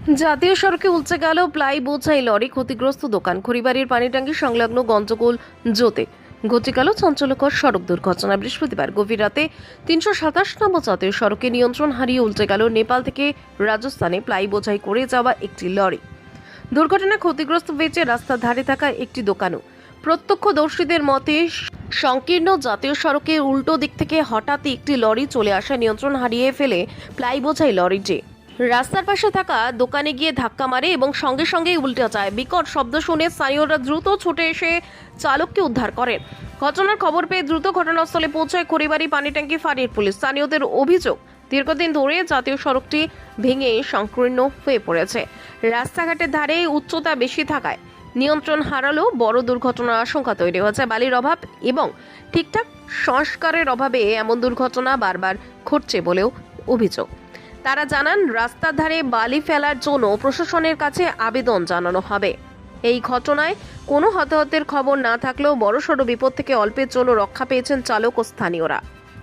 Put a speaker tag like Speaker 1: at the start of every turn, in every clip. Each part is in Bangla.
Speaker 1: জাতীয় সড়কে উল্টে গেল প্লাই বোঝাই লরি, ক্ষতিগ্রস্ত দোকান। খড়িবাড়ির পানিট্যাঙ্কি সংলগ্ন গঞ্জগোল জোতে ঘটে গেল চাঞ্চল্যকর সড়ক দুর্ঘটনা। বৃহস্পতিবার গভীর রাতে ৩২৭ নম্বর জাতীয় সড়কে নিয়ন্ত্রণ হারিয়ে উল্টে গেল নেপাল থেকে রাজস্থানে প্লাই বোঝাই করে যাওয়া একটি লরি। দুর্ঘটনায় ক্ষতিগ্রস্ত হয়েছে রাস্তার ধারে থাকা একটি দোকানও। প্রত্যক্ষদর্শীদের মতে সংকীর্ণ জাতীয় সড়কের উল্টো দিক থেকে হঠাৎই একটি লরি চলে আসা নিয়ন্ত্রণ হারিয়ে ফেলে প্লাই বোঝাই লরিটি রাস্তার পাশে থাকা দোকানে গিয়ে ধাক্কা মারে এবং সঙ্গে সঙ্গেই উল্টে যায়। বিকট শব্দ শুনে স্থানীয়রা দ্রুত ছুটে এসে চালককে উদ্ধার করেন। ঘটনার খবর পেয়ে দ্রুত ঘটনাস্থলে পৌঁছায় খড়িবাড়ি পানিট্যাঙ্কি ফাঁড়ির পুলিশ। স্থানীয়দের অভিযোগ, দীর্ঘদিন ধরে জাতীয় সড়কটি ভেঙে সংকীর্ণ হয়ে পড়েছে। রাস্তাঘাটের ধারে উচ্চতা বেশি থাকায় নিয়ন্ত্রণ হারালেও বড় দুর্ঘটনার আশঙ্কা তৈরি হয়েছে। বালির অভাব এবং ঠিকঠাক সংস্কারের অভাবে এমন দুর্ঘটনা বারবার ঘটছে বলেও অভিযোগ। তারা জানান, রাস্তার ধারে বালি ফেলার জন্য প্রশাসনের কাছে আবেদন জানানো হবে। এই ঘটনায় কোনো হতাহতের খবর না থাকলেও বড়সড় বিপদ থেকে অল্পের জন্য রক্ষা পেয়েছেন চালক ও স্থানীয়রা।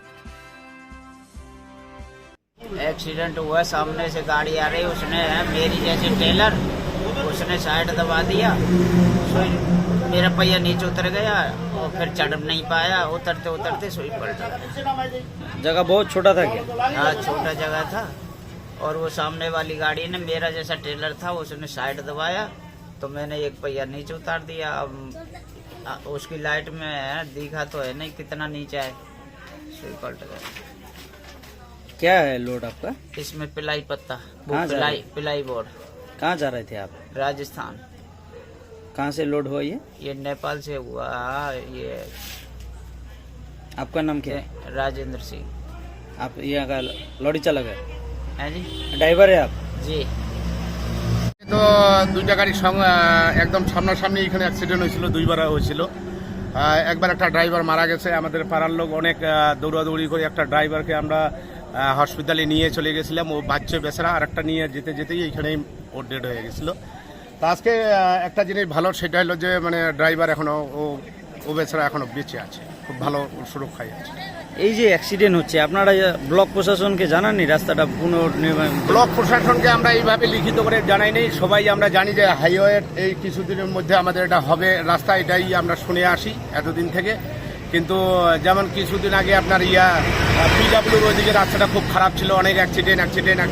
Speaker 2: एक्सीडेंट हुआ, सामने से गाड़ी आ रही, उसने मेरी जैसे टेलर, उसने साइड दबा दिया, सुई मेरा पहिया नीचे उतर गया और फिर चढ़ नहीं पाया, उतरते उतरते सुई पलट गया।
Speaker 3: जगह बहुत छोटा था क्या?
Speaker 2: हाँ, छोटा जगह था और वो सामने वाली गाड़ी ने मेरा जैसा टेलर था, उसने साइड दबाया तो मैंने एक पहिया नीचे उतार दिया। अब उसकी लाइट में दिखा तो है नहीं कितना नीचे है, सुई पलट गया।
Speaker 3: क्या है लोड आपका?
Speaker 2: इसमें पिलाई पत्ता, वो
Speaker 3: कहाँ जा रहे?
Speaker 2: पिलाई बोर्ड,
Speaker 3: कहाँ जा रहे थे आप?
Speaker 2: राजस्थान।
Speaker 3: कहाँ से लोड हुआ
Speaker 2: ये नेपाल से हुआ। ये
Speaker 3: आपका नाम क्या है?
Speaker 2: राजेंद्र सिंह
Speaker 3: आप यहाँ का लॉरी चालक है,
Speaker 2: है जी।
Speaker 3: ड्राइवर है आप?
Speaker 2: जी,
Speaker 4: তো দুইটা গাড়ির একদম সামনাসামনি এখানে অ্যাক্সিডেন্ট হয়েছিল, দুইবার হয়েছিল। একবার একটা ড্রাইভার মারা গেছে। আমাদের পাড়ার লোক অনেক দৌড়াদৌড়ি করে একটা ড্রাইভারকে আমরা হসপিটালে নিয়ে চলে গেছিলাম। ও বাচ্চা বেচারা, আর একটা নিয়ে যেতে যেতেই এইখানেই ওর ডেড হয়ে গেছিল। তো আজকে একটা জিনিস ভালো, সেটা হলো যে মানে ড্রাইভার এখনো ও বেচারা এখনো বেঁচে আছে, খুব ভালো সুরক্ষায় আছে।
Speaker 3: এই যে অ্যাক্সিডেন্ট হচ্ছে, আপনারা ব্লক প্রশাসনকে জানাননি রাস্তাটা পুনর্নির্মাণ?
Speaker 4: ব্লক প্রশাসনকে আমরা এইভাবে লিখিত করে জানাই নেই। সবাই আমরা জানি যে হাইওয়ে এই কিছুদিনের মধ্যে আমাদের এটা হবে রাস্তা, এটাই আমরা শুনে আসি এতদিন থেকে। কিন্তু যেমন কিছুদিন আগে আপনার পিডাব্লিউর ওইদিকে রাস্তাটা খুব খারাপ ছিল, অনেক অ্যাক্সিডেন্ট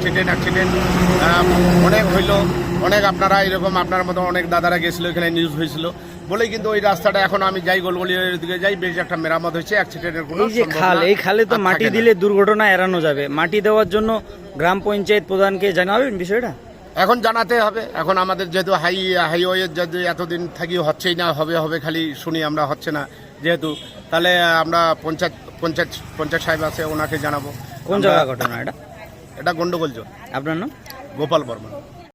Speaker 4: অনেক হইলো। অনেক আপনারা এরকম আপনার মতো অনেক দাদারা গেছিলো, এখানে নিউজ হয়েছিল বলেই কিন্তু ওই রাস্তাটা এখন আমি যাই গোলগলির দিকে যাই, বেশ একটা মেরামত হয়েছে, অ্যাক্সিডেন্টের কোনো
Speaker 3: এই যে খাল, এই খালে তো মাটি দিলে দুর্ঘটনা এড়ানো যাবে। মাটি দেওয়ার জন্য গ্রাম পঞ্চায়েত প্রধানকে জানাবেন বিষয়টা?
Speaker 4: এখন জানাতে হবে। এখন আমাদের যেহেতু হাইওয়ে যদি এতদিন থাকি হচ্ছেই না, হবে খালি শুনি আমরা, হচ্ছে না যেহেতু, তাহলে আমরা পঞ্চায়েত সাহেব আছে, ওনাকে জানাবো।
Speaker 3: কোন জায়গা ঘটনা এটা?
Speaker 4: এটা গন্ডগোল জোন।
Speaker 3: আপনার নাম?
Speaker 4: গোপাল বর্মন।